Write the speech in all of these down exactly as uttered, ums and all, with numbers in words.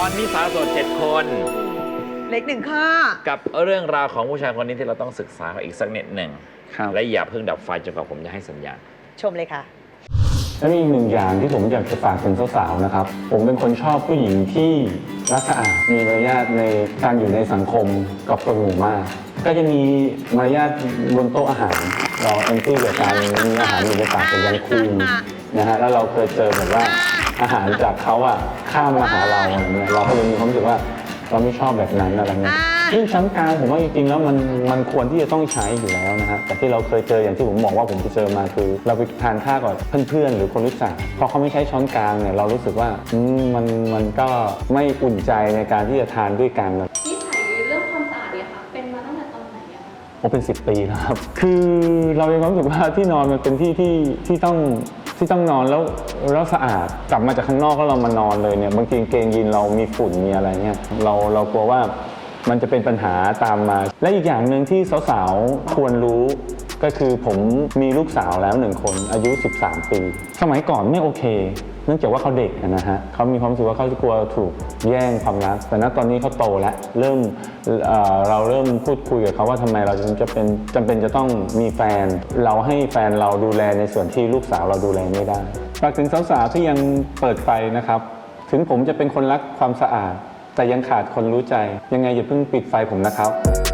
อนนี้สาวโสดเจ็ดคนเล็กหนึ่งข้อกับเรื่องราวของผู้ชายคนนี้ที่เราต้องศึกษาอีกสักนิดหนึ่งและอย่าเพิ่งดับไฟจนกว่าผมจะให้สัญญาณชมเลยค่ะและมีอีกหนึ่งอย่างที่ผมอยากจะฝากถึงสาวๆนะครับผมเป็นคนชอบผู้หญิงที่รักสะอาดมีมารยาทในการอยู่ในสังคมกับคนหมู่มากก็จะมีมารยาทบนโต๊ะอาหารเราแอนตี้กับการมีอาหารอยู่ในปากแต่ยังคุยนะฮะแล้วเราเคยเจอแบบว่าอาหารจากเขาอะข้ามมาหาเราอะไรเงี้ยเราก็เลยมีความรู้สึกว่าเราไม่ชอบแบบนั้นอะไรเงี้ยซึ่งชั้นกลางผมว่าจริงๆแล้วมันมันควรที่จะต้องใช้อยู่แล้วนะฮะแต่ที่เราเคยเจออย่างที่ผมบอกว่าผมไปเจอมาคือเราไปทานข้าวกับเพื่อนๆหรือคนรู้จักพอเขาไม่ใช้ช้อนกลางเนี่ยเรารู้สึกว่ามันมันก็ไม่อุ่นใจในการที่จะทานด้วยกันนิสัยเรื่องความสะอาดเนี่ยค่ะเป็นมาตั้งแต่ตอนไหนอะโอ้เป็นสิบปีแล้วครับคือเรามีความรู้สึกว่าที่นอนมันเป็นที่ที่ที่ต้องที่ต้องนอนแล้วแล้วสะอาดกลับมาจากข้างนอกแล้วเรามานอนเลยเนี่ยบางทีเกงยีนเรามีฝุ่นมีอะไรเนี่ยเราเรากลัวว่ามันจะเป็นปัญหาตามมาและอีกอย่างหนึ่งที่สาวๆควรรู้ก็คือผมมีลูกสาวแล้วหนึ่งคนอายุสิบสามปีสมัยก่อนไม่โอเคเนื่องจากว่าเขาเด็กนะฮะเขามีความรู้สึกว่าเขาจะกลัวถูกแย่งความรักแต่ณตอนนี้เขาโตแล้วเริ่ม เ, เราเริ่มพูดคุยกับเขาว่าทำไมเราจะเป็นจำเป็นจะต้องมีแฟนเราให้แฟนเราดูแลในส่วนที่ลูกสาวเราดูแลไม่ได้ฝากถึงสาวๆที่ยังเปิดไฟนะครับถึงผมจะเป็นคนรักความสะอาดแต่ยังขาดคนรู้ใจยังไงอย่าเพิ่งปิดไฟผมนะครับ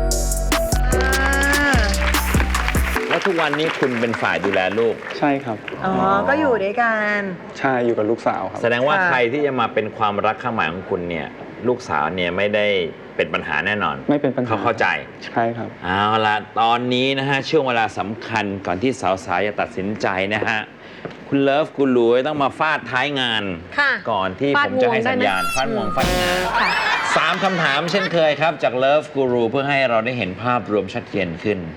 แล้วทุกวันนี้คุณเป็นฝ่ายดูแลลูกใช่ครับอ๋อก็อยู่ด้วยกันใช่อยู่กับลูกสาวครับแสดงว่าใครที่จะมาเป็นความรักข้างหมายของคุณเนี่ยลูกสาวเนี่ยไม่ได้เป็นปัญหาแน่นอนไม่เป็นปัญหาเขาเข้าใจใช่ครับเอาละตอนนี้นะฮะช่วงเวลาสำคัญก่อนที่สาวๆจะตัดสินใจนะฮะคุณเลิฟกูรูต้องมาฟาดท้ายงานก่อนที่ผมจะให้สัญญาณฟาดงวงฟาดงานสามคำถามเช่นเคยครับจากเลิฟกูรูเพื่อให้เราได้เห็นภาพรวมชัดเจนขึ้น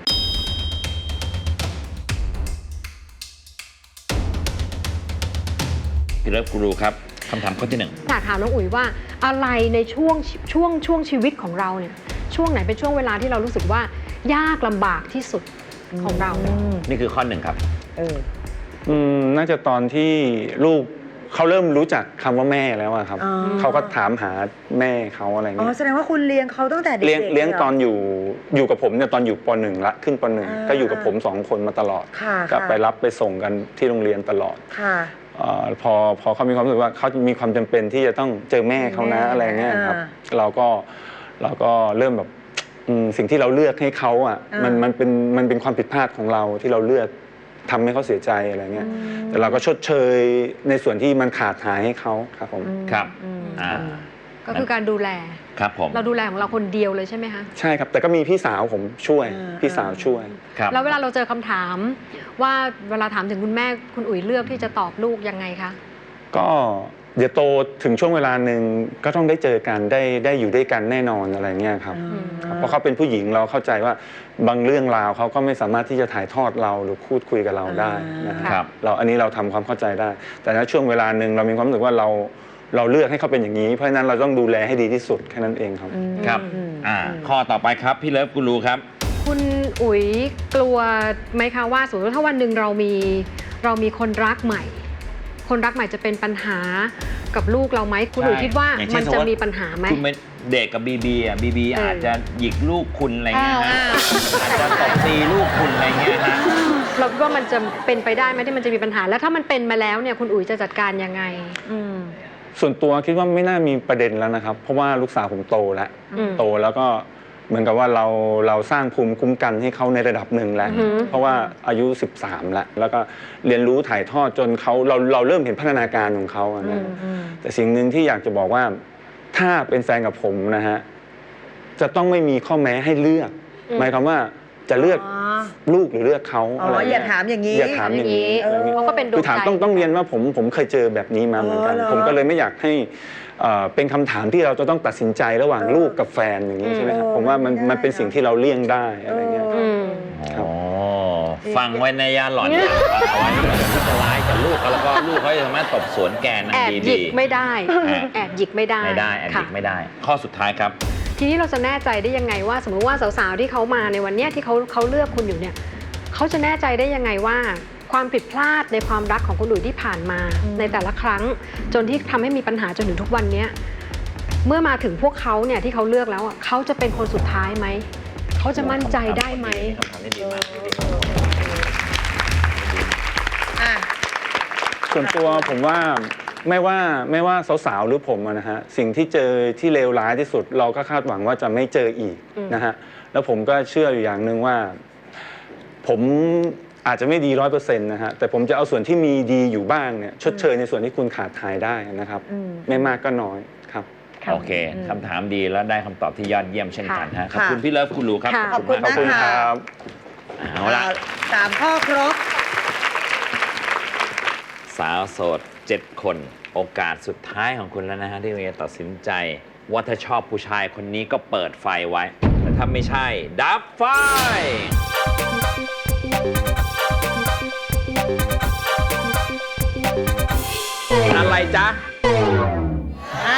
พี่เลิฟกูรูครับคำถามข้อที่หนึ่งอยากถามน้องอุ๋ยว่าอะไรในช่วงช่วงช่วงชีวิตของเราเนี่ยช่วงไหนเป็นช่วงเวลาที่เรารู้สึกว่ายากลำบากที่สุดของเรานี่คือข้อหนึ่งครับเอออืมน่าจะตอนที่ลูกเขาเริ่มรู้จักคำว่าแม่แล้วอะครับเขาก็ถามหาแม่เขาอะไรเงี้ยอ๋อแสดงว่าคุณเลี้ยงเขาตั้งแต่เด็กเลี้ยงเลี้ยงตอนอยู่อยู่กับผมเนี่ยตอนอยู่ปหนึ่งละขึ้นปหนึ่งก็อยู่กับผมสองคนมาตลอดก็ไปรับไปส่งกันที่โรงเรียนตลอดพอพอเขามีความรู้สึกว่าเขามีความจำเป็นที่จะต้องเจอแม่เขานะอะไรเงี้ยครับเราก็เราก็เริ่มแบบสิ่งที่เราเลือกให้เขาอ่ะมันมันเป็นมันเป็นความผิดพลาดของเราที่เราเลือกทำให้เขาเสียใจอะไรเงี้ยแต่เราก็ชดเชยในส่วนที่มันขาดหายให้เขาครับผมครับก็คือการดูแลครับผมเราดูแลของเราคนเดียวเลยใช่ไหมคะใช่ครับแต่ก็มีพี่สาวผมช่วยพี่สาวช่วยครับแล้วเวลาเราเจอคำถามว่าเวลาถามถึงคุณแม่คุณอุ๋ยเลือกที่จะตอบลูกยังไงคะก็เดี๋ยวโตถึงช่วงเวลาหนึ่งก็ต้องได้เจอกันได้ได้อยู่ด้วยกันแน่นอนอะไรเงี้ยครับเพราะเขาเป็นผู้หญิงเราเข้าใจว่าบางเรื่องราวเขาก็ไม่สามารถที่จะถ่ายทอดเราหรือพูดคุยกับเราได้นะครับเราอันนี้เราทำความเข้าใจได้แต่ในช่วงเวลาหนึ่งเรามีความรู้สึกว่าเราเราเลือกให้เขาเป็นอย่างนี้เพราะฉะนั้นเราต้องดูแลให้ดีที่สุดแค่นั้นเองครับครับอ่าข้อต่อไปครับพี่เลิฟกูรูครับคุณอุ๋ยกลัวไหมคะว่าสมมติว่าถ้าวันหนึ่งเรามีเรามีคนรักใหม่คนรักใหม่จะเป็นปัญหากับลูกเราไหมคุณอุ๋ยคิดว่ามันจะมีปัญหาไหมคุณเป็นเด็กกับบีบีอ่ะบีบีอาจจะหยิกลูกคุณอะไรเงี้ยฮะอาจจะตบตีลูกคุณอะไรเงี้ยฮะเราคิดว่ามันจะเป็นไปได้ไหมที่มันจะมีปัญหาแล้วถ้ามันเป็นมาแล้วเนี่ยคุณอุ๋ยจะจัดการยังไงส่วนตัวคิดว่าไม่น่ามีประเด็นแล้วนะครับเพราะว่าลูกสาวผมโตแล้วโตแล้วก็เหมือนกับว่าเราเราสร้างภูมิคุ้มกันให้เขาในระดับหนึ่งแล้วเพราะว่าอายุสิบสามแล้วแล้วก็เรียนรู้ถ่ายทอดจนเขาเราเราเริ่มเห็นพัฒนาการของเขานะแต่สิ่งหนึ่งที่อยากจะบอกว่าถ้าเป็นแฟนกับผมนะฮะจะต้องไม่มีข้อแม้ให้เลือกหมายความว่าจะเลือกลูกหรือเลือกเขาอะไรอย่าถามอย่างนี้อย่าถามอย่างนี้เขาก็เป็นคือถามต้องต้องเรียนว่าผมผมเคยเจอแบบนี้มาเหมือนกันผมก็เลยไม่อยากให้เป็นคำถามที่เราจะต้องตัดสินใจระหว่างลูกกับแฟนอย่างนี้ใช่ไหมครับผมว่ามันมันเป็นสิ่งที่เราเลี่ยงได้อะไรเงี้ยครับฟังไว้ในยาหล่อนฟังเอาไว้ที่จะร้ายกับลูกแล้วก็ลูกเขาจะสามารถตบสวนแกนแอบหยิกไม่ได้แอบหยิกไม่ได้ไม่ได้แอบหยิกไม่ได้ข้อสุดท้ายครับทีนี้เราจะแน่ใจได้ยังไงว่าสมมติว่าสาวๆที่เขามาในวันนี้ที่เขาเขาเลือกคุณอยู่เนี่ยเขาจะแน่ใจได้ยังไงว่าความผิดพลาดในความรักของคุณอุ๋ยที่ผ่านมาในแต่ละครั้งจนที่ทำให้มีปัญหาจนถึงทุกวันนี้เมื่อมาถึงพวกเขาเนี่ยที่เขาเลือกแล้วอ่ะเขาจะเป็นคนสุดท้ายไหมเขาจะมั่นใจได้ไหมคำถามนี้ดีมากอ่ะส่วนตัวผมว่าไม่ว่าไม่ว่าสาวๆหรือผมอะนะฮะสิ่งที่เจอที่เลวร้ายที่สุด เราก็คาดหวังว่าจะไม่เจออีกนะฮะแล้วผมก็เชื่ออยู่อย่างหนึ่งว่า ผมอาจจะไม่ดีร้อยเปอร์เซ็นต์นะฮะแต่ผมจะเอาส่วนที่มีดีอยู่บ้างเนี่ยชดเชยในส่วนที่คุณขาดหายได้นะครับ ไม่มากก็น้อยครับโอเคคำถามดีแล้วได้คำตอบที่ยอดเยี่ยมเช่นกันฮะขอบค่ะคุณพี่เลิฟคุณลูครับค่ะขอบคุณขอบคุณมากคค่ะรับเอาละสามข้อครบสาวโสดเจ็ดคนโอกาสสุดท้ายของคุณแล้วนะฮะที่คุณจะตัดสินใจ ว่าถ้าชอบผู้ชายคนนี้ก็เปิดไฟไว้แต่ถ้าไม่ใช่ ดับไฟ อะไรจ๊ะอ้าว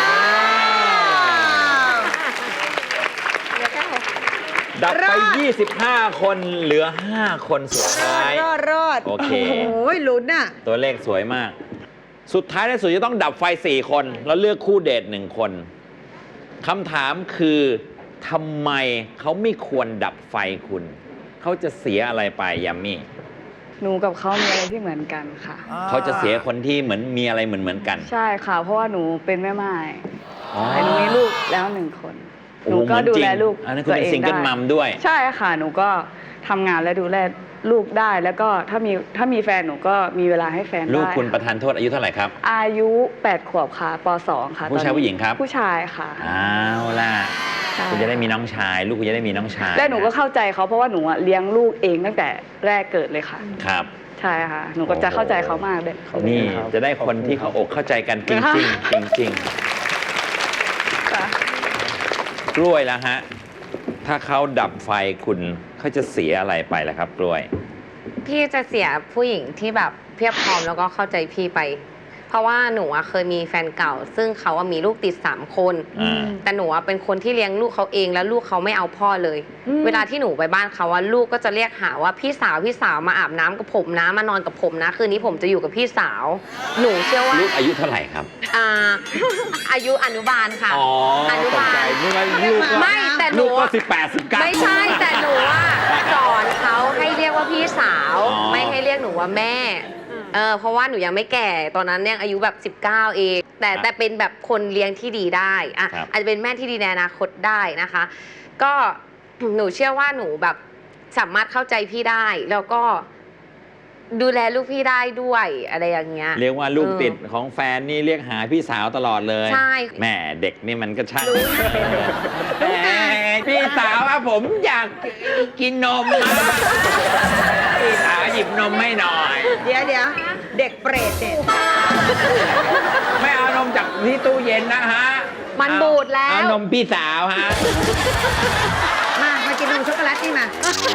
ดับรไปอดยี่สิบห้า คนเหลือ ห้า คนสุดท้ายรอดรอดโอเคโอ้ยลุ้นอ่ะตัวเลขสวยมาก สุดท้ายในสุดจะต้องดับไฟ สี่ คน แล้วเลือกคู่เดทหนึ่งคนคำถามคือทำไมเขาไม่ควรดับไฟคุณ เขาจะเสียอะไรไปยามี่หนูกับเขามีอะไรที่เหมือนกันค่ะเขาจะเสียคนที่เหมือนมีอะไรเหมือนเหมือนกันใช่ค่ะ เพราะว่าหนูเป็นแม่ไม้อ๋อแต่หนูมีลูกแล้วหนึ่งคน หนูก็ดูแลลูกอันนั้นคุณตัวเป็นเองซิงเกิลได้มัมด้วยใช่ค่ะ หนูก็ทำงานและดูแลลูกได้ แล้วก็ถ้ามีถ้ามีแฟนหนูก็มีเวลาให้แฟนได้ลูกคุณประค่ะธานโทษอายุเท่าไหร่ครับอายุแปดขวบค่ะปสองค่ะผู้ชายตอนนี้ผู้หญิงครับผู้ชายค่ะเอาล่ะใช่คุณจะได้มีน้องชาย ลูกคุณจะได้มีน้องชายและหนูก็เข้าใจเขาเพราะว่าหนูอะเลี้ยงลูกเองตั้งแต่แรกเกิดเลยค่ะครับใช่ค่ะ หนูก็จะเข้าใจเขามากเลยนี่ครับจะได้คนที่เขาอกเข้าใจกันจริงจริงจริงจริงค่ะๆกล้วยแล้วฮะ ถ้าเขาดับไฟคุณเขาจะเสียอะไรไปล่ะครับ กล้วยพี่จะเสียผู้หญิงที่แบบเพียบพร้อมแล้วก็เข้าใจพี่ไป เพราะว่าหนูอะเคยมีแฟนเก่า ซึ่งเขาอะมีลูกติดสามคนอ่าแต่หนูอะเป็นคนที่เลี้ยงลูกเขาเองแล้วลูกเขาไม่เอาพ่อเลย เวลาที่หนูไปบ้านเขาว่าลูกก็จะเรียกหาว่าพี่สาวพี่สาวมาอาบน้ำกับผมนะมานอนกับผมนะคืนนี้ผมจะอยู่กับพี่สาว หนูเชื่อว่าลูกอายุเท่าไหร่ครับอ่า อายุอนุบาลค่ะอ๋ออนุบาลตกใจนึกว่าลูกก็ไม่แต่หลูนูกก็อะสิบแปดสิบเก้าไม่ใช่แต่หนูอะสอนเขาให้เรียกว่าพี่สาวอ๋อไม่ให้เรียกหนูว่าแม่ เออเพราะว่าหนูยังไม่แก่ตอนนั้นยังอายุแบบสิบเก้าเอง แต่แต่เป็นแบบคนเลี้ยงที่ดีได้อะอาจจะเป็นแม่ที่ดีในอนาคตได้นะคะ ก็ หนูเชื่อว่าหนูแบบสามารถเข้าใจพี่ได้ แล้วก็ดูแลลูกพี่ได้ด้วยอะไรอย่างเงี้ยเรียกว่าลูกเออติดของแฟนนี่เรียกหาพี่สาวตลอดเลยใช่แม่เด็กนี่มันก็ช่างรู้แหมพี่สาวอะผมอยากกินนมอะพี่สาวหยิบนมให้หน่อยเดี๋ยวเดี๋ยวเด็กเปรตเนี่ยไม่เอานมจากที่ตู้เย็นนะฮะมันบูดแล้วเอานมพี่สาวฮะมา มากินนมช็อกโกแลตนี่มา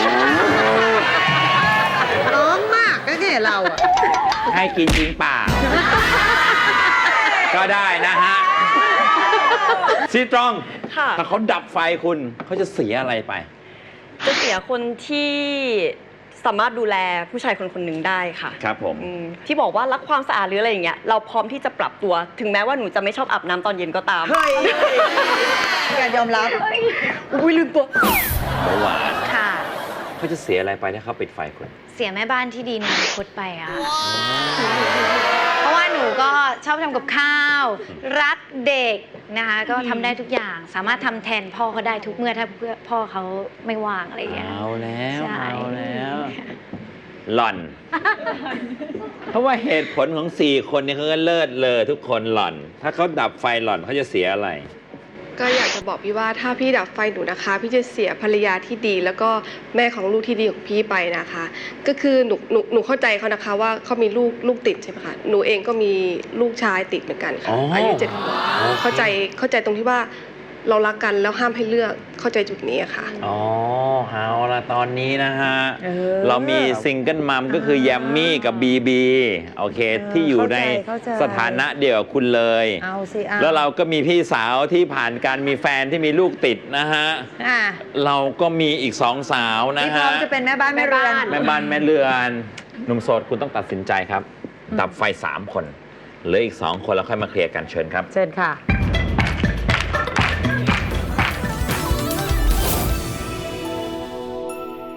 น้องมากก็เนี่ยเราอะให้กินจริงเปล่า ก็ได้นะฮะซีตรองค่ะถ้าเขาดับไฟคุณเขาจะเสียอะไรไปจะเสียคนที่สามารถดูแลผู้ชายคนคนหนึ่งได้ค่ะครับผมอืมที่บอกว่ารักความสะอาดหรืออะไรอย่างเงี้ยเราพร้อมที่จะปรับตัว ถึงแม้ว่าหนูจะไม่ชอบอาบน้ำตอนเย็นก็ตามเฮ้ยการยอมรับ อุ้ยลืมตัวเบาหวานค่ะเขาจะเสียอะไรไปถ้าเขาปิดไฟคุณเสียแม่บ้านที่ดีในอนาคตไปอะเพราะว่าหนูก็ชอบทำกับข้าว รักเด็กนะคะ ก็ทำได้ทุกอย่าง สามารถทำแทนพ่อเขาได้ทุกเมื่อถ้าเพื่อพ่อเขาไม่ว่างอะไรอย่างเงี้ยเอาแล้วใช่เอาแล้ว หล่อน เพราะว่าเหตุผลของสี่คนนี้เขาก็เลิศเลยทุกคนหล่อน ถ้าเขาดับไฟหล่อนเขาจะเสียอะไรก็อยากจะบอกพี่ว่าถ้าพี่ดับไฟหนูนะคะ พี่จะเสียภรรยาที่ดี แล้วก็แม่ของลูกที่ดีของพี่ไปนะคะ ก็คือหนูหนูหนูเข้าใจเขานะคะว่าเขามีลูกลูกติดใช่ไหมคะหนูเองก็มีลูกชายติดเหมือนกันค่ะอ๋อออายุเจ็ดขวบโอเคเข้าใจเข้าใจตรงที่ว่าเรารักกันแล้วห้ามให้เลือกเข้าใจจุดนี้อะค่ะอ๋อเอาละตอนนี้นะฮะเออเรามีซิงเกิลมัมก็คือแยมมี่กับบีบีโอเคเออที่อยู่ในเข้าใจสถานะเดียวกับคุณเลยเอาสิเอาแล้วเราก็มีพี่สาวที่ผ่านการมีแฟนที่มีลูกติดนะฮะอ่ะเราก็มีอีกสองสาวนะที่พร้ฮะอมจะเป็นแม่บ้านแม่เรือนแม่บ้านแม่เรือนหนุ่มโสดคุณต้องตัดสินใจครับ ดับไฟสามคนเหลืออีกสองคนแล้วค่อยมาเคลียร์กันเชิญครับเชิญค่ะ